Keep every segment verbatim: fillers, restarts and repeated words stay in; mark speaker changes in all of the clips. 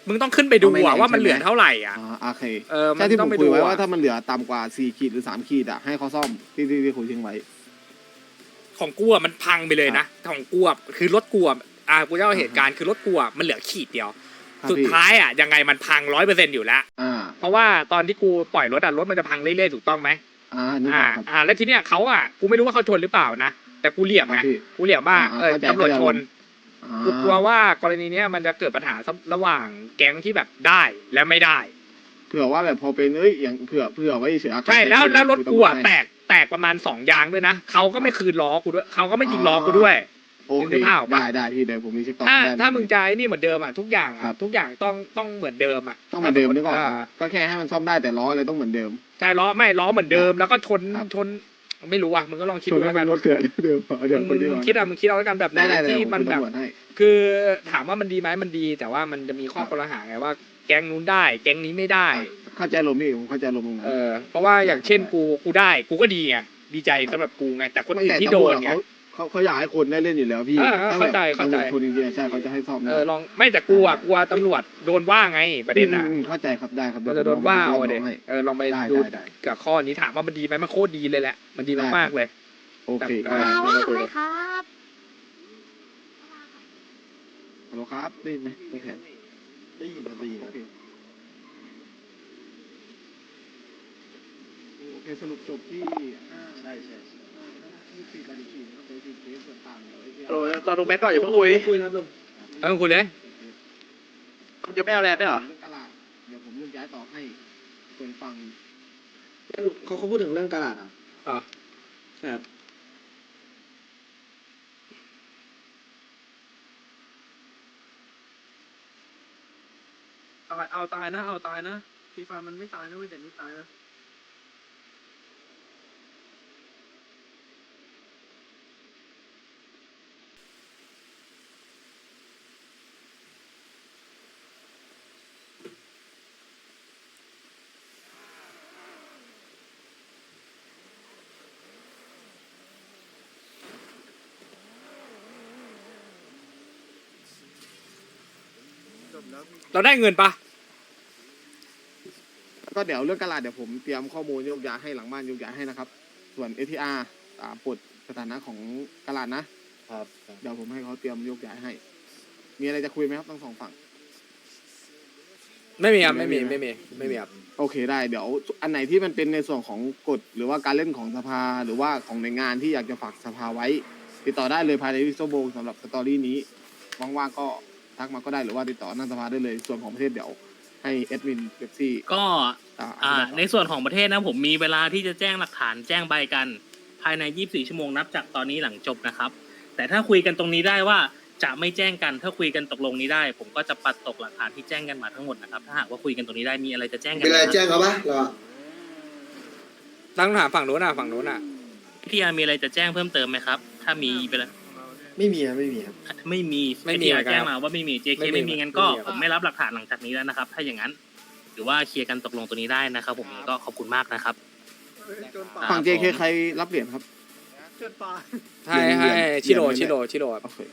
Speaker 1: มึงต้องขึ้นไปดูอะว่ามันเหลือเท่าไหร่อ่ะ
Speaker 2: อ่าโอเค
Speaker 1: เออมัน
Speaker 2: ใช่ที่ผ
Speaker 1: ต้อ
Speaker 2: ม
Speaker 1: งไป
Speaker 2: คุ
Speaker 1: ดู
Speaker 2: ยไว้
Speaker 1: อะ
Speaker 2: ว่าถ้ามันเหลือต่ำกว่าสี่ขีดหรือสามขีดอะให้เขาซ่อมที่ที่ที่คุยทิ้งไว้
Speaker 1: ของกูอะมันพังไปเลยนะของกูอะคือรถกูอะอ่ากูจะเอาเหตุการณ์คือรถกูอะมันเหลือขีดเดียว
Speaker 2: ครับ
Speaker 1: สุด
Speaker 2: พี่
Speaker 1: ท้ายอ่ะยังไงมันพังร้อยเปอร์เซ็นต์อยู่แล้ว
Speaker 2: อ่า
Speaker 1: เพราะว่าตอนที่กูปล่อยรถอ่ะรถมันจะพังเรื่อยๆถูกต้องไหม
Speaker 2: อ่านี่
Speaker 1: อ่า
Speaker 2: ครับ
Speaker 1: อ่าแล้วทีเนี้ยเขาอ่ะกูไม่รู้ว่าเขาชนหรือเปล่านะแต่กูเหลี่ยม
Speaker 2: ครั
Speaker 1: ไง
Speaker 2: บพี่
Speaker 1: กูเหลี่ยมว่า
Speaker 2: อ่า
Speaker 1: เออ
Speaker 2: เข้าใจ
Speaker 1: ตำรวจชน
Speaker 2: อ่า
Speaker 1: กูกลัวว่ากรณีเนี้ยมันจะเกิดปัญหาระหว่างแก๊งที่แบบได้และไม่ได้
Speaker 2: เผื่อว่าแบบพอเป็นเอ้ยอย่างเผื่อเผื่อไว้เสีย
Speaker 1: ใช่แล้วแล้วรถกูอ่ะ
Speaker 2: ให้
Speaker 1: แตกแตกประมาณสองยางด้วยนะเขาก็ไม่คืนล้อกูด้วยเขาก็ไม่ยิงล้อกูด้วย
Speaker 2: โอเค
Speaker 1: นึกภาพออกปะ
Speaker 2: ได้ได้พี่เดี๋ยวผมมีเช็คต่อ
Speaker 1: ถ้า
Speaker 2: ได้
Speaker 1: ถ้ามึงใจนี่เหมือนเดิมอ่ะทุกอย่าง
Speaker 2: ครั
Speaker 1: อ่ะ
Speaker 2: บ
Speaker 1: ทุกอย่างต้องต้องเหมือนเดิมอ่ะ
Speaker 2: ต้องเหมือนเดิมนึกออก
Speaker 1: า
Speaker 2: ก็แค่ให้มันซ่อมได้แต่ล้ออะไรต้องเหมือนเดิม
Speaker 1: ใช่ล้อไม่ล้อเหมือนเดิมแล้วก็ชน
Speaker 2: ครับ
Speaker 1: ชนไม่รู้อ่ะมึงก็ลองคิด
Speaker 2: ส่วน
Speaker 1: ดู
Speaker 2: ให้
Speaker 1: แล้ว
Speaker 2: มั
Speaker 1: กัน น
Speaker 2: รถเถื่อนเดิมเดี๋ยว
Speaker 1: มึ
Speaker 2: คุ
Speaker 1: ง
Speaker 2: ยดีก
Speaker 1: มึง
Speaker 2: ว่า
Speaker 1: คิดอ่ะมึงคิดเอาแล้วกันแบบไหน
Speaker 2: ได้ได้เดี๋ยว
Speaker 1: ที่
Speaker 2: ผม
Speaker 1: มัน
Speaker 2: คุย
Speaker 1: แบบ
Speaker 2: ตำรวจให้
Speaker 1: คือถามว่ามันดีไหมมันดี แต่ว่ามันจะมีข้อกล่าวหาไงว่า แก๊งนู้นได้ แก๊งนี้ไม่ได้
Speaker 2: เข้าใจลมพี่ผมเข้าใจลมตรงนั้น
Speaker 1: เออเพราะว่าอย่างเช่นกูกูได้กูก็ดีไงดีใจสำหรับกูไงแต่คนอื่นที่โดนไง
Speaker 2: เขาเขาอยากให้คนได้เล่นอยู่แล้วพี่
Speaker 1: เออเออเข้าใจเข้าใจ
Speaker 2: คนจริงๆใช่เขาจะให้ซ่อม
Speaker 1: เออลองไม่แต่กูอ่ะกลัวตำรวจโดนว่าไงประเด็นอ่ะ
Speaker 2: อืมเข้าใจครับได้ครับ
Speaker 1: เราจะโดนว่าเอาอะเด็
Speaker 2: ให้
Speaker 1: เออลองไป
Speaker 2: ได้
Speaker 1: ดู
Speaker 2: ได้ได้
Speaker 1: กับข้อนี้ถามว่ามันดีไหมมันโคตรดีเลยแหละมันดี
Speaker 2: ได้
Speaker 1: มากๆเลย
Speaker 2: โอเค
Speaker 1: แต่
Speaker 2: ได้
Speaker 3: ว่าทำไมครับ
Speaker 2: ฮัลโหลครับได้ยินไหมไม่แข็งได้ยินครับได้ยินโอเคโอเคสรุปจบที่ใช่ใช่ยี่สิบสี่ต่อยี่สิบสี่นะครับโดยที่เคสส่วนต่างเดี๋ยวไอ้ที่
Speaker 4: โหลตอนลงแม็กก่อนอย่าเพิ่งคุย
Speaker 2: คุยนะลุง
Speaker 1: เออคุณเลย
Speaker 4: คุณจะไม่เอาแลนด์ได้วยเหรอ
Speaker 2: เรื่องตลาดเดี๋ยวผมเรื่องย้ายต่อให้ส่วนฝั่ง
Speaker 4: เขาเขาพูดถึงเรื่องตลาดอ่ะ
Speaker 1: อ่ะ
Speaker 4: ครับ
Speaker 5: เอาเอาตายนะเอาตายนะฟีฟามันไม่ตายนะเว้ยแต่นี่ตายนะ
Speaker 1: เราได้เงินปะ
Speaker 2: ก็เดี๋ยวเรื่องตลาดเดี๋ยวผมเตรียมข้อมูลโยกย้ายให้หลังบ้านโยกย้ายให้นะครับ ส่วน เอ ที อาร์ อ่าปลดสถานะของตลาดนะครับ เดี๋ยวผมให้เขาเตรียมโยกย้ายให้ มีอะไรจะคุยไหมครับทั้งสองฝั่ง
Speaker 1: ไม่มีครับไม่มี
Speaker 2: ไม่
Speaker 1: ไม่
Speaker 2: มี
Speaker 1: มีไม่มีครับ
Speaker 2: โอเคได้เดี๋ยวอันไหนที่มันเป็นในส่วนของกฎหรือว่าการเล่นของสภาหรือว่าของหน่วยงานที่อยากจะฝากสภาไว้ ติดต่อได้เลยภายในวิโซโบสำหรับสตอรี่นี้ว่างๆก็ทักมาก็ได้หรือว่าติดต่อหน้าสภาได้เลยส่วนของประเทศเดี๋ยวให้เอดมินเบปซี่
Speaker 6: ก็
Speaker 2: อ่า
Speaker 6: อ่า
Speaker 2: อธิบายต่อ
Speaker 6: ในส่วนของประเทศนะผมมีเวลาที่จะแจ้งหลักฐานแจ้งใบกัน ภายในยี่สิบสี่ชั่วโมงนับจากตอนนี้หลังจบนะครับ แต่ถ้าคุยกันตรงนี้ได้ว่าจะไม่แจ้งกันถ้าคุยกันตกลงนี้ได้ ผมก็จะปัดตกหลักฐานที่แจ้งกันมาทั้งหมดนะครับถ้าหากว่าคุยกันตรงนี้ได้มีอะไรจะแจ้งกัน
Speaker 7: เป็นไร
Speaker 6: นะ
Speaker 7: แจ้งเขาปะเราอะ
Speaker 1: ตั้งถามฝั่งนู้นอ่ะฝั่งนู้นอ่ะ
Speaker 6: พี่อาร์มีอะไรจะแจ้งเพิ่มเติมไหมครับ ถ้ามีไปแล้ว
Speaker 7: ไม่มีครับไม่มีครับ
Speaker 6: ไม่มี
Speaker 1: ไม่มี
Speaker 6: ที่
Speaker 1: อะไรกัน
Speaker 6: แจ้งมาว่าไม่มี เจ เค
Speaker 1: ไม่มี
Speaker 6: ไม่มีงั้นก็
Speaker 1: ไม่มีครับ
Speaker 6: ผมไม่รับหลักฐานหลังจากนี้แล้วนะครับ ถ้าอย่างนั้นหรือว่าเคลียร์กันตกลงตัวนี้ได้นะครับ ผมก็ขอบคุณมากนะครับ
Speaker 2: ฝั่ง
Speaker 6: อ่า
Speaker 2: เจ เค
Speaker 6: ผม
Speaker 2: ใครรับเหรียญครับ
Speaker 1: ให้ให้ชิโร่ชิโร่ชิโร่ครับ
Speaker 2: โอเค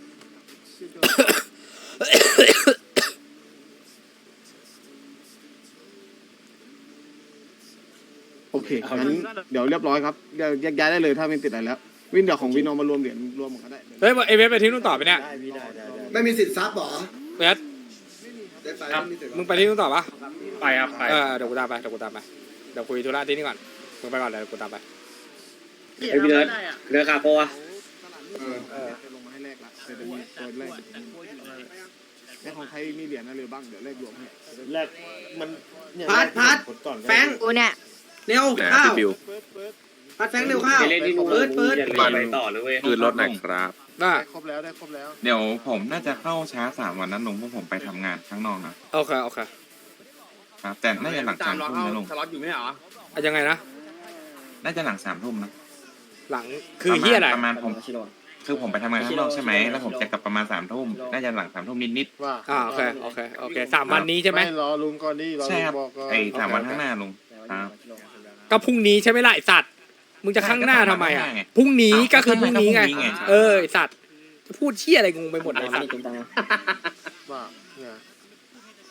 Speaker 2: โอเคงั้นเดี๋ยวเรียบร้อยครับเดี๋ยวแยกย้ายได้เลยถ้าไม่ติดอะไรแล้ว วินเดี๋ยวของวินเอามารวมเหรียญรวมกันก็ได้
Speaker 1: เฮ้ยเอเวฟไปที่นู่นต่อไปเนี่ย
Speaker 4: ได้พี่ได้ได้ได้
Speaker 7: ไม่มีสิทธิ์ซับเหรอ
Speaker 1: เวฟ
Speaker 7: ได้ไปไม่มีสิทธิ์
Speaker 1: มึงไปที่นู่นต่อปะ
Speaker 6: ไปครับไป
Speaker 1: เออเดี๋ยวกูตามไปเดี๋ยวกูตามไปเดี๋ยวคุยธุระที่นี่ก่อนมึงไปก่อนเดี๋ยวกูตามไป
Speaker 4: ไอพี่เนิร์ดเรือคาโปะ
Speaker 2: เออเออจะลงมาให้แลกละเดี๋ยวจะมีตัวแรกแลกของใครมีเหรียญอะไรบ้างเดี๋ยวแลกรวมให้
Speaker 4: แรกมันเนี่ย
Speaker 7: พัดพัด
Speaker 4: กก่อนก็
Speaker 7: แฟง
Speaker 3: กูเนี่ย
Speaker 7: เร็วข้าวพัดแฟงเร็วข้าว
Speaker 4: เล่นที่นู่น
Speaker 7: เปิดเปิด
Speaker 4: ไปต่อเลยเว้ย
Speaker 8: คืนรถหน่อยครับ
Speaker 1: น่า
Speaker 2: ครบแล้วได้ครบแล้ว
Speaker 8: เดี๋ยวผมน่าจะเข้าช้าสามวันนั้นลุงเพราะผมไปทำงานข้างนอกนะ
Speaker 1: โอเคโอเค
Speaker 8: ครับแต่น่าจะหลังสามทุ่มนะลุง
Speaker 5: สล็อตอยู่ไม่เหรอ
Speaker 1: อ่ะยังไงนะ
Speaker 8: น่าจะหลังสามทุ่มนะ
Speaker 1: หลังคือเฮียอะไร
Speaker 8: ประมาณผมคือผมไปทำงานข้างนอกใช่ไหมแล้วผมจะกลับประมาณสามทุ่มน่าจะหลังสามทุ่มนิด
Speaker 2: ว่า
Speaker 1: อ่าโอเคโอเคโอเคสามวันนี้ใช่ไหม
Speaker 2: รอลุงก่อนดิรอ
Speaker 8: ๆใช่
Speaker 2: ลุง
Speaker 8: ครับ
Speaker 2: บอกก่อน
Speaker 8: ไอ้สามวันข้างหน้าลุงครับ
Speaker 1: ก็พรุ่งนี้ใช่ไหมล่ะไอสัตว์มึงจะข้างหน้าทำไมอ่ะ
Speaker 8: ข้างหน้าไง
Speaker 1: พรุ่งนี้ก็คือพรุ่งนี้ไง
Speaker 8: ก็พรุ่งนี้ไง
Speaker 1: เออไอสัตว์จะพูดเชี่ยอะไรงงไปหมดเลยไอ้สัตว์
Speaker 2: ว่าเนี่ย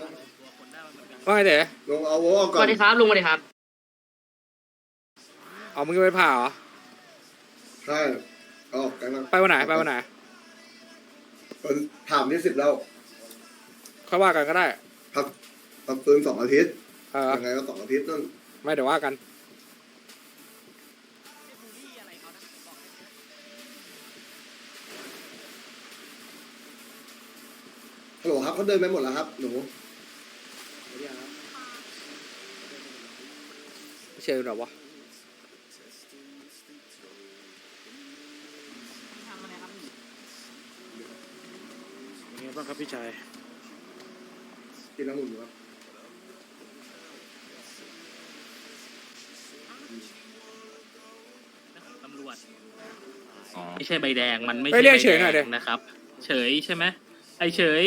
Speaker 1: ว่าไงเต๋อ
Speaker 3: ลงเอาโว้ก่
Speaker 5: ส
Speaker 3: อน
Speaker 5: วัสดีครับลุงสวัสดีครับ
Speaker 1: เอามึงจะไปผ่าเหรอ
Speaker 3: ใช่เอาออกกันนะ
Speaker 1: ไปวันไหนไปวันไหน
Speaker 3: วันถามที่สิบแล้ว
Speaker 1: ค่อยว่ากันก็ได้
Speaker 3: พักพักฟื้นสองอาทิตย์
Speaker 1: เออ
Speaker 3: ยังไงก็สองอาทิตย์นั่น
Speaker 1: ไม่เดี๋ยวว่ากัน
Speaker 3: ฮัลโหลครับเขาเดินไปหมดแล้วครับหนู
Speaker 1: ไม่เชื่อหรอวะ
Speaker 5: เป็นไงบ้างครับพี่ชาย
Speaker 3: กินน้ำอุ่นอยู่ครับ
Speaker 6: ตำรวจ
Speaker 8: อ๋อ
Speaker 6: ไม่ใช่ใบแดงมันไม่
Speaker 1: ไป
Speaker 6: ใช่
Speaker 1: เรียก
Speaker 6: ใบ
Speaker 1: เฉยหน่อย
Speaker 6: แด
Speaker 1: ดิ
Speaker 6: งนะครับ เฉยใช่ไหมไอเฉย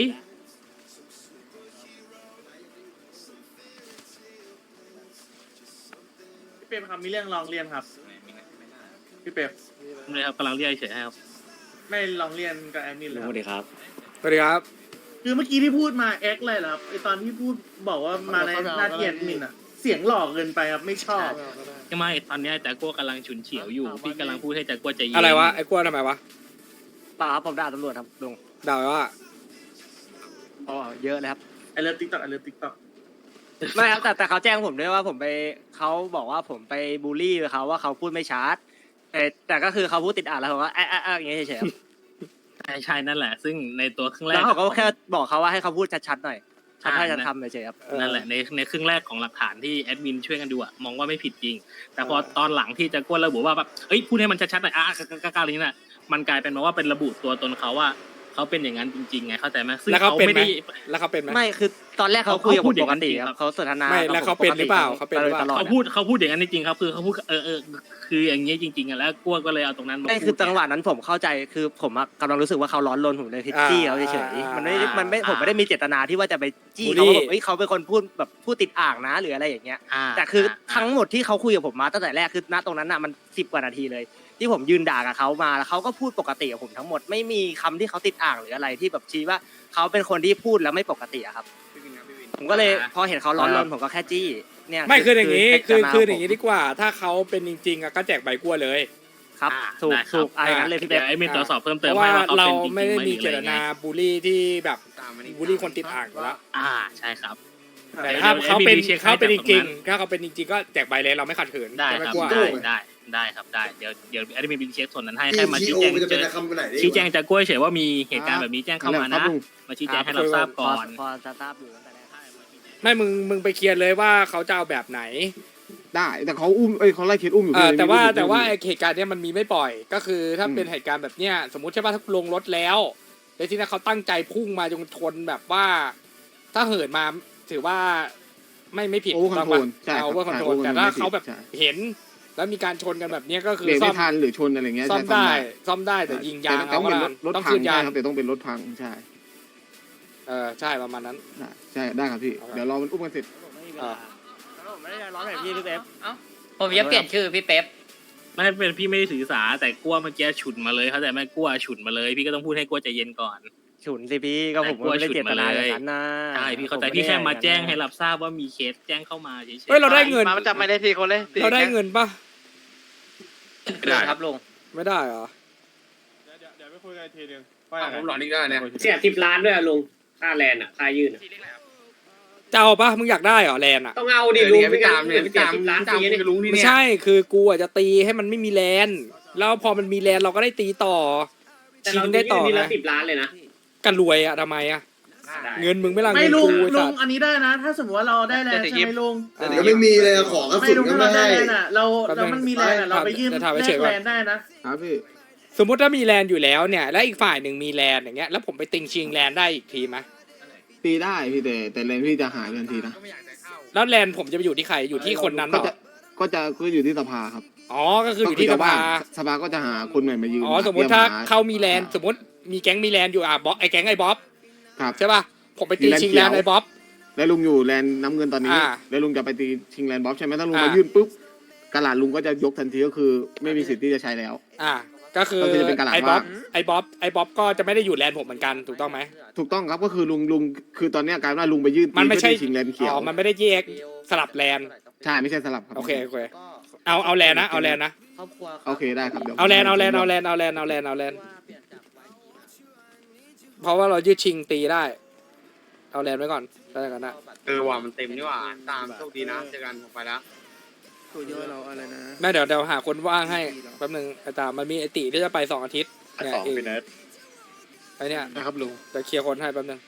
Speaker 5: พี่เป๊ปครับมีเรื่องลองเรียนครับพี่เป๊ป
Speaker 6: เลยครับกำลังเรียกเฉยให้ครับ
Speaker 5: ไม่ลองเรียนกับแอดมินเลยครับ
Speaker 1: สวัสดีครับ
Speaker 5: คือเมื่อกี้ที่พูดมาแอคเลยเหรอครับไอตอนที่พูดบอกว่ามาในหน้าที่แอดมินอะเสียงหลอกเกินไปครับไม่ชอบ
Speaker 6: ใช่ไหมตอนเนี้ยแต่กัวกำลังฉุนเฉียวอยู่พี่กำลังพูดให้แต่กัวใจเย็น
Speaker 1: อะไรวะไอ้กล้วยทำไมวะ
Speaker 9: เปล่าครับผมด่าตำรวจครับลุง
Speaker 1: ด่าว่า
Speaker 9: อ๋อเยอะเลยครับ
Speaker 5: ไอเลิฟติ๊กต็อกไอเลิฟติ๊กต็อก
Speaker 9: ไม่ครับแต่แต่เขาแจ้งผมด้วยว่าผมไปเขาบอกว่าผมไปบูลลี่เขาว่าเขาพูดไม่ชัดแต่แต่ก็คือเขาพูดติดอ่านแล้วผมก็แอะแอะแอะอย่างเงี้ยเฉยๆครับ
Speaker 6: ใช่ใช่นั่นแหละ ซึ่งในตัวครึ่งแร
Speaker 9: แล้
Speaker 6: ก
Speaker 9: วเขาก็แค่บอกเขาว่าให้เขาพูดชัดๆหน่อยชัดให้ชัดทำเฉยๆครับ
Speaker 6: นั่นแหละในในครึ่งแรกของหลักฐานที่แอดมินช่วยกันดูอะมองว่าไม่ผิดจริง แต่พอตอนหลังที่จะกัวระบุว่าแบบเอ้ยพูดให้มันชัดๆหน่อยอ่ะกล้าๆอะไรนี้น่ะมันกลายเป็นมาว่าเป็นระบุตัวตนเขาว่าเขาเป็นอย่างนั้นจริงๆไงเข้าใจไหมซึ่ง
Speaker 1: แล้วเขา
Speaker 6: เขา
Speaker 1: เป็น
Speaker 6: ไม่
Speaker 1: ไหม
Speaker 6: ได้
Speaker 1: แล้วเขาเป็นไหม
Speaker 9: ไม่คือตอนแรกเขาคุยกับผมปกติครับเขาสนทนา
Speaker 1: ไม่แล้วเขาเป็นหรือเปล่า
Speaker 9: ปกติ
Speaker 1: เขาเป็นหรือเปล่า
Speaker 9: ตลอด
Speaker 6: เขาพูดเขาพูดอย่างนั้นจริงๆครับคือเขาพูดเออเออคืออย่างเงี้ยจริงๆอ่ะแล้วกัวก็เลยเอาตรงนั้นมา
Speaker 9: ไม่
Speaker 6: พู
Speaker 9: คือ
Speaker 6: ด
Speaker 9: จังหวะนั้นผมเข้าใจคือผมอะกำลังรู้สึกว่าเขาร้อนรนผมเลยพิชจี้เขาเฉยๆมันไม่ได้มันไม่ผมไม่ได้มีเจตนาที่ว่าจะไปจี้เขาว่าแบบเฮ้ยเขาเป็นคนพูดแบบพูดติดอ่างนะหรืออะไรอย่างเงี้ย
Speaker 6: อ่า
Speaker 9: แต่คือ
Speaker 6: อ่า
Speaker 9: ทั้งหมดที่เขาคุยกับผมมาตั้งแต่แรกคือณตรงนั้นน่ะมันสิบกว่านาทีเลย ที่ผมยืนด่ากับเขามาแล้วเขาก็พูดปกติกับผมทั้งหมดไม่มีคำที่เขาติดอ่างหรืออะไรที่แบบชี้ว่าเขาเป็นคนที่พูดแล้วไม่ปกติอะครับ ผมก็เลยพอเห็นเขาร้อนรนผมก็แค่จี้เนี่ย
Speaker 1: ไม่คืออย่างนี้ คือ
Speaker 9: เจตน
Speaker 1: คือ
Speaker 9: ข
Speaker 1: อย่างนี้ดีกว่า ถ้าเขาเป็นจริงๆอะก็แจกใบกล้วยเลย
Speaker 9: ครับ
Speaker 6: อ่า
Speaker 9: ถูก
Speaker 6: ได้ครับ
Speaker 9: ถูกอะไรอย่างนั้นเลยพี่เป๊ป
Speaker 6: ดี๋วไอ้มีตรวจสอบเพิ่ม
Speaker 1: เพ
Speaker 6: เติม
Speaker 1: ราะ
Speaker 6: ให้
Speaker 1: ว่า
Speaker 6: ว่าเขา
Speaker 1: เรา
Speaker 6: เป็นจริงๆ
Speaker 1: ไม่ได้
Speaker 6: ไห
Speaker 1: มีเจตนาบูลลี่ที่แบบบูลลี่คนติดอ่างอยู่แล้ว
Speaker 6: อ่าใช่ครับ
Speaker 1: แต่ถ้าเขาเป็น
Speaker 6: ดี๋ยว
Speaker 1: เขาเป็นจ
Speaker 6: ดี๋ยว
Speaker 1: ริงๆถ้าเขาเป็นจริงๆก็แจกใบเลยเราไม่ขัดขืน
Speaker 6: ได้
Speaker 1: ใช่ไหม
Speaker 6: ครับ
Speaker 1: กล้วย
Speaker 6: ได้ได้ได้ครับได้เดี๋ยวเดี๋ยวแอดมินเช็คส่วนนั้นให้
Speaker 3: ที่
Speaker 6: แค่มา
Speaker 3: ที
Speaker 6: ชี้
Speaker 3: โอ
Speaker 6: แจง
Speaker 3: มันจะ
Speaker 6: เจ
Speaker 3: เป็น
Speaker 6: อ
Speaker 3: คำไปไหนได้
Speaker 6: ชี้แจงจากกล้วยเฉยว่ามีเหตุการณ์แบบนี้แจ้งเข้ามา
Speaker 2: ครั
Speaker 6: นะ
Speaker 2: บลุง
Speaker 6: มาชี้แจงให้เราทราบก่อน
Speaker 9: พอจะทราบอยู่ตั้งแต่แรก
Speaker 1: ไม่มึงมึงไปเคลียร์เลยว่าเขาจะเอาแบบไหน
Speaker 2: ได้แต่เขาอุ้มเอ้ยเขาไล่เคสอุ้มอยู่
Speaker 1: เออ
Speaker 2: พี่
Speaker 1: แต่ว่า
Speaker 2: ไม่รู้
Speaker 1: แต่ว่า
Speaker 2: ไม่
Speaker 1: ไอ้
Speaker 2: รู้
Speaker 1: เหตุการณ์เนี้ยมันมีไม่ปล่อย ก็คือถ้า
Speaker 2: อืม
Speaker 1: เป็นเหตุการณ์แบบเนี้ยสมมติใช่ป่ะถ้าลงรถแล้วแล้วทีนี้เขาตั้งใจพุ่งมาจนชนแบบว่า ถ้าเหินมาถือว่าไม่ไม่ผิด
Speaker 2: โอเวอร์คอนโทรลใช่
Speaker 1: เอา
Speaker 2: ครับ
Speaker 1: โอเวอร์คอนโทรล
Speaker 2: ใช่
Speaker 1: แต่ถ้าเขาแบบ
Speaker 2: ใช่
Speaker 1: เห็น แล้วมีการชนกันแบบเนี้ยก็คือ
Speaker 2: เบรก
Speaker 1: ซ่อ
Speaker 2: ไม่
Speaker 1: ม
Speaker 2: ทันหรือชนอะไรเงี้ย
Speaker 1: ซ่อม
Speaker 2: ใช่
Speaker 1: ได้ซ่อมได้แต่ยิงยาง
Speaker 2: แต่ต้องเป็นรถรถ
Speaker 1: ต้อง
Speaker 2: พั
Speaker 1: คื
Speaker 2: ง
Speaker 1: น
Speaker 2: ใช่
Speaker 1: ยาง
Speaker 2: ครับแต่ต้องเป็นรถพังใช่
Speaker 1: เออใช่ประมาณนั้น
Speaker 2: ได้ใช่ได้ครับพี่
Speaker 1: เอาครับ
Speaker 2: เดี๋ยวรอมันอุ้มกันเสร็จ
Speaker 1: อ่า
Speaker 9: ผมไม่ได้ร้อนแบบพี่พี่เป๊ป
Speaker 10: ผมจะเปลี่ยนชื่อพี่เป๊ป
Speaker 6: ไม่เป็นพี่ไม่ได้ถือสาแต่กลัวเมื่อกี้ฉุนมาเลยเขาใจไหมกลัวฉุนมาเลย พี่ก็ต้องพูดให้กลัวใจเย็นก่อน
Speaker 9: ฉุนสิพี่ก็ผมไม่ได้เจตนาอย่างนั้นนะ
Speaker 6: ใช่พี่เข้าใจพี่แค่มาแจ้งให้รับทราบว่ามีเคสแจ้งเข้ามาเฉยๆ
Speaker 1: เฮ้ยเราได้เงิน
Speaker 10: มาจับไม่ได้ทีคนเลย
Speaker 1: เราได้เงินปะ
Speaker 10: ไม่ได้ครับลุง
Speaker 1: ไม่ได้เหรอ
Speaker 2: เดี๋ยวไปคุยกันทีนึง
Speaker 4: ผมหลอนอีกแล้วเนี่ยเสียสิบล้านด้วยอะลุงค่าแลนด์อ่ะค่ายื่นอะ
Speaker 1: จะเอาปะมึงอยากได้เหรอแลนอะ
Speaker 4: ต้องเอาดิลุงพี่ตามเนี่ยพี่ตามล้านปีนี่ลุงที่
Speaker 1: ไม่
Speaker 4: เนี่ย
Speaker 1: ใช่ คือกูอ่ะจะตีให้มันไม่มีแลนแล้วพอมันมีแลนเราก็ได้ตีต่อ
Speaker 4: แต่
Speaker 1: ชิ
Speaker 4: เรา
Speaker 1: ง
Speaker 4: ได้
Speaker 1: ได้
Speaker 4: ต่
Speaker 1: ต่
Speaker 4: อ
Speaker 1: อ
Speaker 4: นี่
Speaker 1: ไง
Speaker 4: ละสิบล้านเลยนะ
Speaker 1: กันรวยอ่ะทำไมอ่ะ เงินมึงไม่ละ
Speaker 5: ไม่
Speaker 1: เงิน
Speaker 5: ลุง
Speaker 1: กูไอ้
Speaker 5: ลุ
Speaker 1: สั
Speaker 5: ง
Speaker 1: ตว์
Speaker 5: อันนี้ได้นะ ถ้าสมมติว่าเราได้แลนด์ใช่ไหมลุง
Speaker 3: ยังไม่มีเลยอะของกระ
Speaker 5: ไม่
Speaker 3: สุน
Speaker 5: ลุง
Speaker 3: ก็
Speaker 5: ถ้า
Speaker 3: ไม่
Speaker 5: เราได้
Speaker 3: ให้
Speaker 5: แลนด์อ่ะเราเรามันมีแลนด์อ่ะเราไปยื่นแลกแลนด์ได้นะ
Speaker 2: ครับพี่
Speaker 1: สมมติถ้ามีแลนอยู่แล้วเนี่ย แล้วอีกฝ่ายหนึ่งมีแลนอย่างเงี้ย แล้วผมไปติงชิงแลนได้อีกทีไหม
Speaker 2: ตีได้พี่แต่แต่เลนพี่จะหายทันทีนะ
Speaker 1: แล้วแลนผมจะไปอยู่ที่ใคร อยู่ที่คนนั้นเห
Speaker 2: ก็
Speaker 1: รอ
Speaker 2: จะก็จะก็อยู่ที่สภาครับ
Speaker 1: อ๋อ ก็คืออยู่ที่สภา
Speaker 2: สภาก็จะหาคนใหม่มายืน
Speaker 1: อ๋อ สมมติถ้า
Speaker 2: ตรียห
Speaker 1: เขามีแลนสมมติมีแก๊งมีแลนอยู่อ่ะบ๊อบไอ้แก๊งไอ้บ๊อบ
Speaker 2: ครับ
Speaker 1: ใช่ป่ะ ผมไปตีชิงแลนไอ้บ๊อบ
Speaker 2: แล้วลุงอยู่แลนน้ำเงินตอนนี้
Speaker 1: อ่า
Speaker 2: แล้วลุงจะไปตีชิงแลนบ๊อบใช่ไหมถ้าลุง
Speaker 1: อ่าม
Speaker 2: มายื่นปุ๊บกระดาษลุงก็จะยกทันทีก็คือ ไม่มีสิทธิ์ที่จะใช้แล้ว
Speaker 1: อ่ะก็คือ
Speaker 2: ก็คือจะเป็นกระหล่ำ
Speaker 1: ไอ้บ๊อบ
Speaker 2: ว่าง
Speaker 1: ไอ้บ๊อบไอ้บ๊อบก็จะไม่ได้อยู่แลนด์ผมเหมือนกันถูกต้องไหม
Speaker 2: ถูกต้องครับก็คือลุงลุงคือตอนเนี้ยกลารว่าลุงไปยื่น
Speaker 1: มันไม่ใช่
Speaker 2: เพื่อชิงแลนด์เขียว
Speaker 1: อ๋อมันไม่ได้แยกสลับแลนด์
Speaker 2: ใช่ไม่ใช่สลับครับ
Speaker 1: โอเคโอเคเอาเอาแลนด์นะเอาแลนด์นะ
Speaker 7: ครอบครัว
Speaker 2: โอเคได้ครับดี๋ยว
Speaker 1: เอาแลนด์เอาแลนด์เอาแลนด์เอาแลนด์เอาแลนด์เอาแลนด์เพราะว่าเรายืดชิงตีได้ เอาแลนด์ไว้ก่อนแล้วกันนะ
Speaker 2: เออว่ามันเต็มนี่ว่าตามโชคดีนะเจอกันผมไปแล้ว
Speaker 7: ตัวเยอะเราอะไรนะ
Speaker 1: แม่เดี๋ยวเดี๋ยวหาคนว่างให้แป๊บนึงไอ้ตามมันมีไอติที่จะไปสองอาทิตย์เนี่ยเองไอเนี่ย
Speaker 2: นะครับลุง
Speaker 1: จะเคลียร์คนให้แป๊บนึง